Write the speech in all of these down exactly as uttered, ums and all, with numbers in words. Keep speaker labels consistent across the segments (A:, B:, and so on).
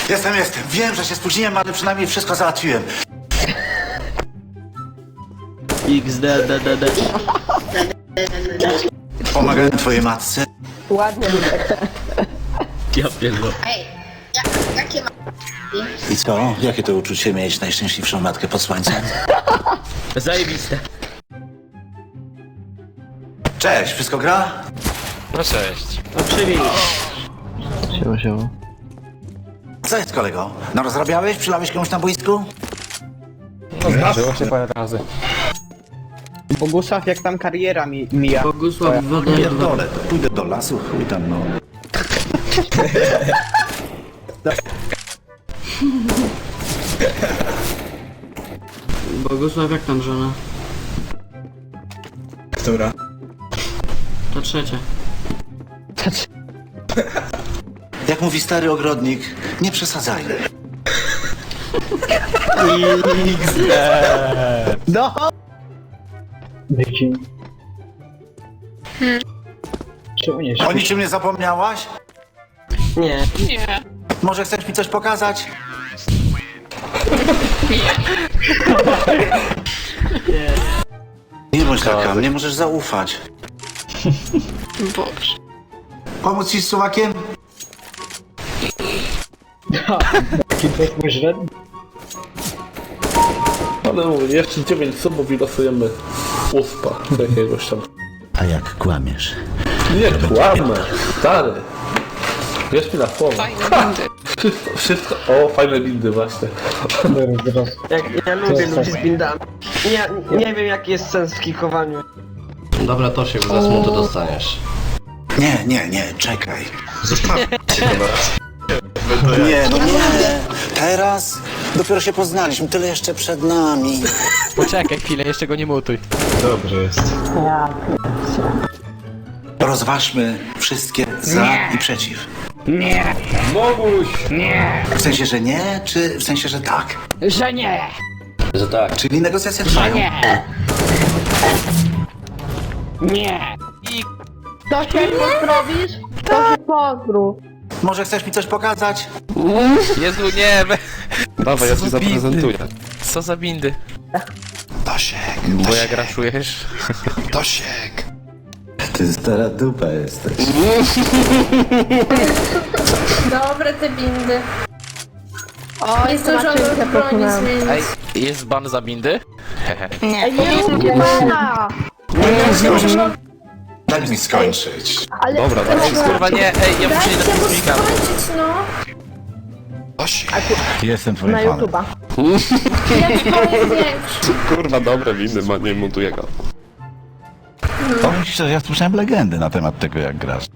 A: Jestem, jestem. Wiem, że się spóźniłem, ale przynajmniej wszystko załatwiłem.
B: X D D D D.
A: Pomagałem twojej matce.
C: Ładnie.
B: Ja pierdolę.
D: Ej, ja, jakie ma...
A: I co? Jakie to uczucie mieć najszczęśliwszą matkę pod słońcem?
B: Zajebiste.
A: Cześć, wszystko gra?
E: No cześć.
B: No przywieź.
F: Siema, siema.
A: Co jest, kolego? No rozrabiałeś? Przylałeś komuś na boisku?
E: No zdarzyło się parę razy.
G: Bogusław, jak tam kariera mi mija?
B: Bogusław wodę.
A: Pierdolę, to pójdę do lasu, chuj tam, no.
B: Bogusław, jak tam żona?
E: Która?
B: To trzecia.
A: Jak mówi stary ogrodnik, nie przesadzajmy.
G: No!
F: Dzieci. Czemu nie
A: O niczym nie zapomniałaś?
B: Nie.
A: Może chcesz mi coś pokazać? Nie bądź taka, mnie możesz zaufać.
D: Boże.
A: Pomóc ci z suwakiem?
F: Taki twój źle?
H: Ale mówię, jeszcze dziewięć subów i losujemy uspa jakiegoś tam.
A: A jak kłamiesz?
H: Nie kłamę, stary. Wiesz mi na słowo.
D: Fajne windy.
H: Wszystko, wszystko, o fajne bindy właśnie.
F: Zaraz.
G: Jak, ja lubię ludzi z bindami. Nie, nie wiem jaki jest sens w kikowaniu.
I: Dobra, to się za smuto dostaniesz.
A: Nie, nie, nie, czekaj. Nie, no nie. Teraz dopiero się poznaliśmy, tyle jeszcze przed nami.
E: Poczekaj chwilę, jeszcze go nie mutuj.
F: Dobrze jest.
A: Rozważmy wszystkie za i przeciw.
H: Moguś!
A: W sensie, że nie, czy w sensie, że tak?
C: Że nie!
I: Że tak.
A: Czyli negocjacje trwają.
C: Nie!
J: To się pozdrowisz? To się pozdrów.
A: Może chcesz mi coś pokazać?
E: Jezu, nie! we-
H: Dawaj, ja
E: Co
H: ci
E: za bindy?
H: zaprezentuję.
E: Co za bindy?
A: Tosiek,
E: Bo jak raszujesz?
A: Tosiek. Ty stara dupa jesteś.
D: Dobre te bindy.
J: O,
D: Nie zdążyłam broni zmienić.
E: Ej, jest ban za bindy? Hehe.
J: Ej, nie róbcie pana!
A: Daj mi skończyć.
J: Ale
H: Dobra,
J: ale-
H: dawaj.
E: Kurwa nie, ej, ja muszę nie
D: Dajcie
E: dać
D: mu
E: filmika.
D: skończyć, no.
A: Tosiek. Jestem twoim
J: Na
A: fanem.
J: YouTube'a.
D: Jak to jest większy.
H: Kurwa, dobre windy, ma, nie montuję go.
A: Powiem ci szczerze, ja słyszałem legendy na temat tego, jak grasz.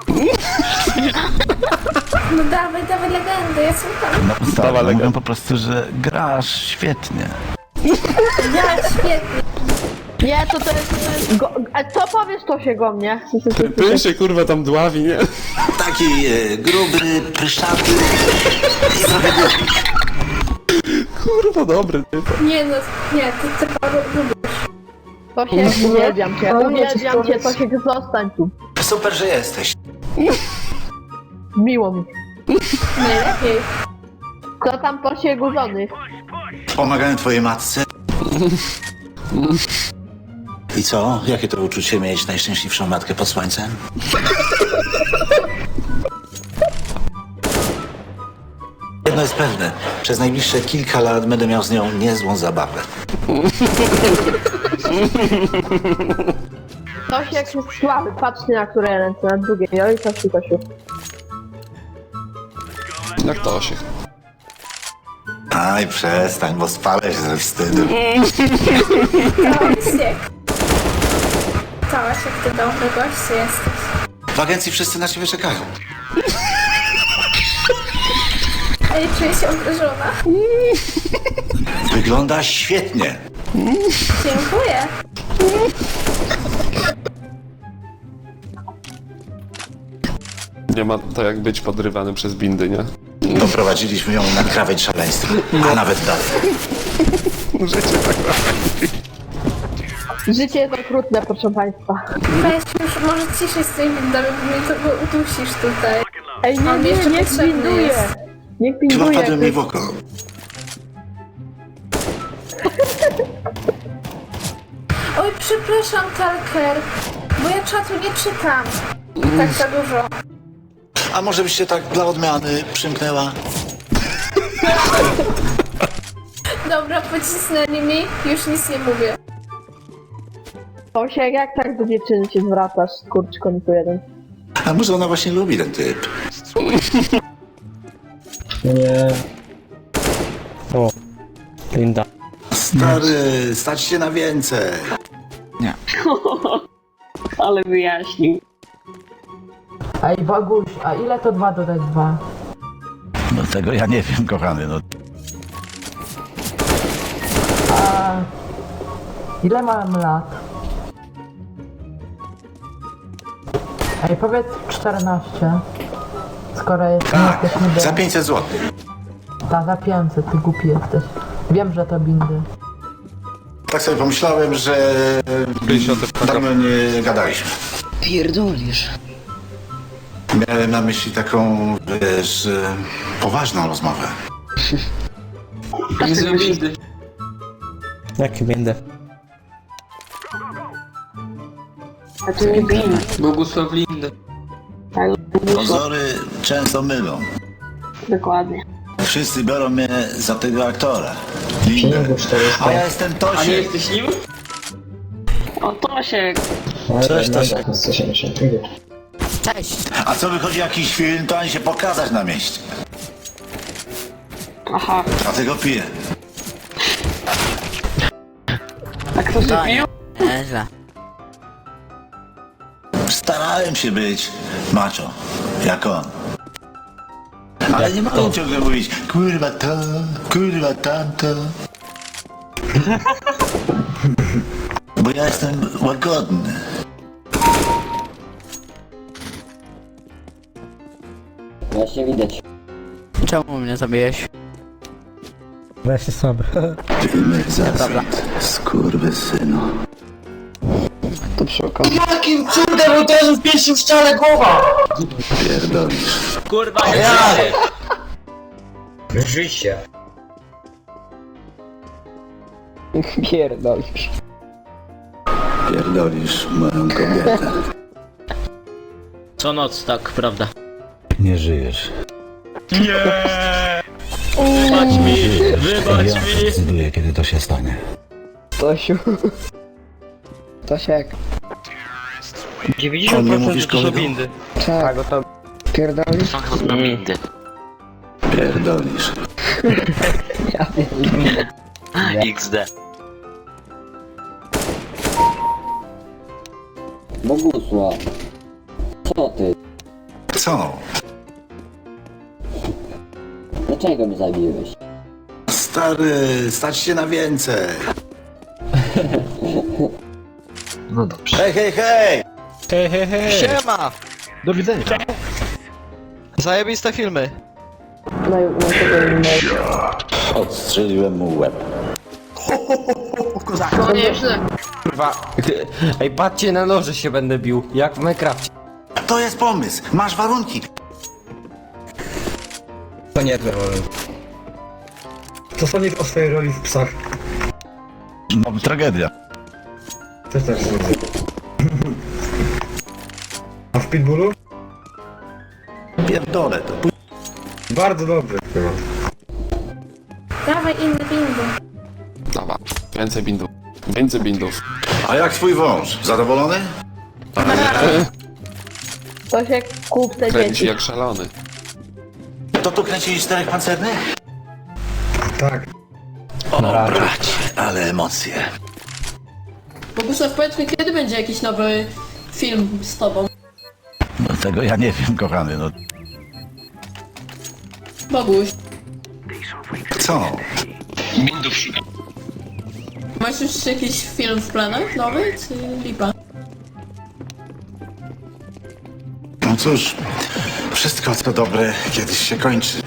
D: No dawaj, dawaj legendę, ja słucham.
A: No, stary,
H: Dawaj,
A: mówią
H: legendy.
A: po prostu, że grasz świetnie.
D: Ja, świetnie.
J: Nie, to to jest... To jest go, a co powiesz to się go mnie?
H: Ty się kurwa tam dławi, nie?
A: Taki e, gruby, pryszaty i trochę głupi.
H: Kurwa, dobry typ.
D: Nie no, nie, ty, ty paru lubisz.
J: To się uwielbiam cię, uwielbiam cię, to się zostań tu.
A: Super, że jesteś.
J: Miło mi.
D: Najlepiej.
J: Co tam po siegu żony?
A: Pomagałem twojej matce. I co? Jakie to uczucie mieć najszczęśliwszą matkę pod słońcem? Jedno jest pewne. Przez najbliższe kilka lat będę miał z nią niezłą zabawę.
J: Tosiek jest słaby, patrzcie na które ręce, na drugie. Oj, Tosiu, Tosiu.
H: Jak to się?
A: Aj, przestań, bo spalę się ze wstydu.
D: Tosiek. Tosiek, ty dobry gość jesteś.
A: W agencji wszyscy na ciebie czekają.
D: Ej, czuję się obrażona.
A: Wygląda świetnie.
D: Dziękuję.
H: Nie ma to jak być podrywany przez bindy, nie?
A: Doprowadziliśmy ją na krawędź szaleństwa, a nawet dalej.
H: Życie tak
J: Życie jest okrutne, proszę państwa.
D: Weź już, może ciszej z tymi windami, bo mnie to bo udusisz tutaj.
J: Ej, nie,
D: On
J: nie,
D: jeszcze
J: nie
D: potrzebny
J: zbinduję.
D: jest.
J: Niech
A: Chyba
J: pinguje.
A: wpadłem mi w oko.
D: Oj, przepraszam, Talker, bo ja czatu nie czytam. Tak za dużo.
A: A może byś się tak dla odmiany przymknęła?
D: Dobra, pocisnęli mi, już nic nie mówię.
J: Tosiek, jak tak do dziewczyny się zwracasz, skurczkoniku jeden?
A: A może ona właśnie lubi ten typ?
F: Nie.
C: Linda.
A: Stary, stać się na więcej.
C: Ale wyjaśnił.
B: Ej, Boguś, a ile to dwa dodać dwa?
A: No tego ja nie wiem, kochany, no.
B: A ile mam lat? Ej, powiedz czternaście. Skoro jest,
A: Tak,
B: nie jesteśmy
A: za
B: do...
A: pięćset złotych.
B: Ta, za pięćset, ty głupi jesteś. Wiem, że to bindy.
A: Tak sobie pomyślałem, że dawno nie gadaliśmy.
G: Pierdolisz.
A: Miałem na myśli taką, wiesz, e, poważną rozmowę.
B: Nie bindy.
C: Jaki będę? A to nie bin.
B: Bogusław Lindy.
A: Pozory często mylą.
C: Dokładnie.
A: Wszyscy biorą mnie za tego aktora.
F: Pingu czterysta.
A: A ja jestem Tosiek.
B: jesteś nim?
C: O, Tosiek.
A: Cześć, Tosiek.
F: sto siedemdziesiąt. Pingu.
A: A co wychodzi jakiś film, to ani się pokazać na mieście.
C: Aha.
A: Dlatego piję.
C: A kto się pił?
A: Starałem się być macho, jak on. Ale nie mogę ciągle mówić, kurwa to, kurwa tamto. Bo ja jestem łagodny.
G: Właśnie widać.
B: Czemu mnie zabiłeś?
C: Weź się słaby.
A: Dymy za skurwysynu.
G: To przy okazji. Jakim cudem uderzył w pierwszym ścianę głowa?
A: Pierdolisz.
B: Kurwa, ja!
F: Życie.
G: Pierdolisz.
A: Pierdolisz moją kobietę.
B: Co noc, tak, prawda.
A: Nie żyjesz.
B: Wybacz mi, wybacz
A: Ja
B: mi!
A: decyduję, kiedy to się stanie.
G: Tosiu. Tosiek.
A: On nie mówisz kolego?
G: Tak, to pierdolisz?
E: Bindy.
A: Pierdolisz.
G: Ja wiem.
E: iks de.
G: Bogusław. Co ty?
A: Co?
G: Dlaczego mnie zabiłeś?
A: Stary, stać się na więcej.
F: No dobrze.
A: Hej, hej, hej!
C: Hej, hej, hej.
E: Siema!
F: Do widzenia.
E: Zajebiste filmy.
J: No i no tego nie
A: Odstrzeliłem mu łeb.
J: No nieźle.
G: Kurwa. Ej, patrzcie, na noże się będę bił. Jak w Minecrafcie.
A: To jest pomysł, masz warunki.
F: To nie wiem. Co sądzisz o swojej roli w psach?
A: No, tragedia.
F: Też tak sądzę. A w Pitbullu?
A: Pierdolę to.
F: Bardzo dobry.
D: Dawaj inny bingo.
K: Dobra, więcej bindów. Więcej bindów.
A: A jak twój wąż? Zadowolony?
J: Tosiek, kup te
K: Kręci
J: dzieci.
K: jak szalony.
A: To tu kręcili czterech pancernych?
F: Tak.
A: O, bracie, ale emocje.
J: Bogusław, powiedz mi, kiedy będzie jakiś nowy film z tobą?
A: No tego ja nie wiem, kochany, no.
J: Boguś,
A: Co?
J: masz już jakiś film w planach nowy, czy lipa?
A: No cóż, wszystko co dobre kiedyś się kończy.